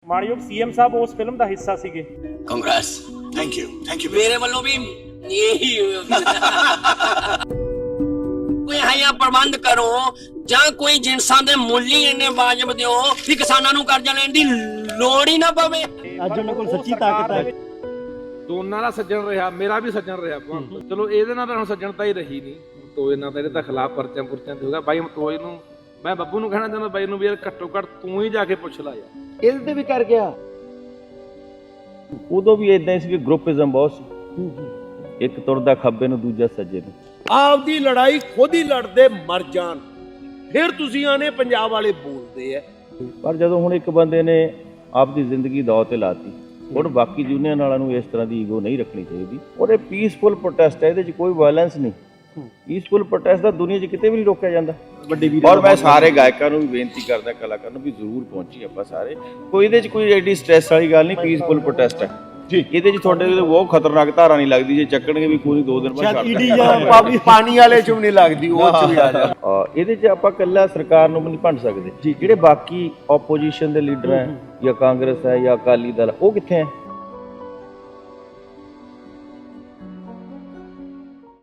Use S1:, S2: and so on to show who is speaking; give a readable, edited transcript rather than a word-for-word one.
S1: ਮਾਣਯੋਗ ਸੀਐਮ ਸਾਹਿਬ ਉਸ ਫਿਲਮ ਦਾ ਹਿੱਸਾ ਸੀਗੇ।
S2: ਕਾਂਗਰਸ
S3: थैंक यू
S2: ਮੇਰੇ ਵੱਲੋਂ ਵੀ ਇਹੀ ਕੋਈ ਹਾਇਆ ਪ੍ਰਬੰਧ ਕਰੋ ਜਾਂ ਕੋਈ ਜਿੰਸਾਂ ਦੇ ਮੁੱਲ ਹੀ ਇੰਨੇ ਵਾਜਬ ਦਿਓ ਕਿ ਕਿਸਾਨਾਂ ਨੂੰ ਕਰਜ਼ਾ ਲੈਣ ਦੀ ਲੋੜ ਹੀ ਨਾ ਪਵੇ।
S4: ਅੱਜ ਉਹਨਾਂ ਕੋਲ ਸੱਚੀ ਤਾਕਤ ਹੈ।
S5: ਦੋਨਾਂ ਦਾ ਸੱਜਣ ਰਿਹਾ, ਮੇਰਾ ਵੀ ਸੱਜਣ ਰਿਹਾ। ਚਲੋ ਇਹਦੇ ਨਾਲ ਤਾਂ ਹੁਣ ਸੱਜਣਤਾ ਹੀ ਰਹੀ ਨਹੀਂ। ਤੋਏ ਨਾਲ ਤਾਂ ਇਹਦੇ ਤਾਂ ਖਿਲਾਫ ਪਰਚਾ ਪੁਰਚਾ ਤੇ ਹੋਗਾ। ਬਾਈ ਤੋਏ ਨੂੰ ਮੈਂ ਬੱਬੂ ਨੂੰ ਕਹਿਣਾ ਚਾਹੁੰਦਾ ਬਾਈ ਨੂੰ ਵੀ ਯਾਰ ਘੱਟੋ ਘੱਟ ਤੂੰ ਹੀ ਜਾ ਕੇ ਪੁੱਛ ਲੈ ਯਾਰ।
S4: ਇਹਦੇ ਤੇ ਵੀ ਕਰ ਗਿਆ।
S6: ਉਦੋਂ ਵੀ ਇਦਾਂ ਹੀ ਸੀ ਕਿ ਗਰੁੱਪਿਜ਼ਮ ਬਹੁਤ ਸੀ, ਇੱਕ ਤੁਰਦਾ ਖੱਬੇ ਨੂੰ ਦੂਜਾ ਸੱਜੇ ਨੂੰ।
S7: ਆਪਦੀ ਲੜਾਈ ਖੁਦ ਹੀ ਲੜਦੇ ਮਰ ਜਾਣ, ਫਿਰ ਤੁਸੀਂ ਆਨੇ ਪੰਜਾਬ ਵਾਲੇ ਬੋਲਦੇ ਆ।
S6: ਪਰ ਜਦੋਂ ਹੁਣ ਇੱਕ ਬੰਦੇ ਨੇ ਆਪਦੀ ਜ਼ਿੰਦਗੀ ਦਾਅ ਤੇ ਲਾਤੀ, ਹੁਣ ਬਾਕੀ ਯੂਨੀਅਨ ਵਾਲਿਆਂ ਨੂੰ ਇਸ ਤਰ੍ਹਾਂ ਦੀ ਈਗੋ ਨਹੀਂ ਰੱਖਣੀ ਚਾਹੀਦੀ। ਔਰ ਇਹ ਪੀਸਫੁਲ ਪ੍ਰੋਟੈਸਟ ਹੈ, ਇਹਦੇ 'ਚ ਕੋਈ ਵਾਇਲੈਂਸ ਨਹੀਂ। ਪੀਸਫੁਲ ਪ੍ਰੋਟੈਸਟ ਦਾ ਦੁਨੀਆ 'ਚ ਕਿਤੇ ਵੀ ਨਹੀਂ ਰੋਕਿਆ ਜਾਂਦਾ। ਔਰ ਮੈਂ ਸਾਰੇ ਗਾਇਕਾਂ ਨੂੰ ਵੀ ਬੇਨਤੀ ਕਰਦਾ, ਕਲਾਕਾਰਾਂ ਨੂੰ ਵੀ ਜ਼ਰੂਰ ਪਹੁੰਚੀ ਆਪਾਂ ਸਾਰੇ। ਕੋਈ ਇਹਦੇ 'ਚ ਕੋਈ ਐਡੀ ਸਟ੍ਰੈਸ ਵਾਲੀ ਗੱਲ ਨਹੀਂ, ਪੀਸਫੁਲ ਪ੍ਰੋਟੈਸਟ ਹੈ ਜੀ। ਇਹਦੇ 'ਚ ਤੁਹਾਡੇ ਬਹੁਤ ਖਤਰਨਾਕ ਧਾਰਾ ਨਹੀਂ ਲੱਗਦੀ, ਜੇ ਚੱਕਣਗੇ ਵੀ ਕੋਈ 2 ਦਿਨ ਬਾਅਦ
S7: ਸ਼ਾਇਦ ਪਾਣੀ ਵਾਲੇ 'ਚ ਵੀ ਨਹੀਂ ਲੱਗਦੀ, ਉਹ 'ਚ ਵੀ ਆ ਜਾ।
S6: ਇਹਦੇ 'ਚ ਆਪਾਂ ਇਕੱਲਾ ਸਰਕਾਰ ਨੂੰ ਵੀ ਨਹੀਂ ਭੰਡ ਸਕਦੇ। ਜਿਹੜੇ ਬਾਕੀ ਆਪੋਜੀਸ਼ਨ ਦੇ ਲੀਡਰ ਹੈ ਜਾਂ ਕਾਂਗਰਸ ਹੈ ਜਾਂ ਅਕਾਲੀ ਦਲ, ਉਹ ਕਿੱਥੇ ਹੈ?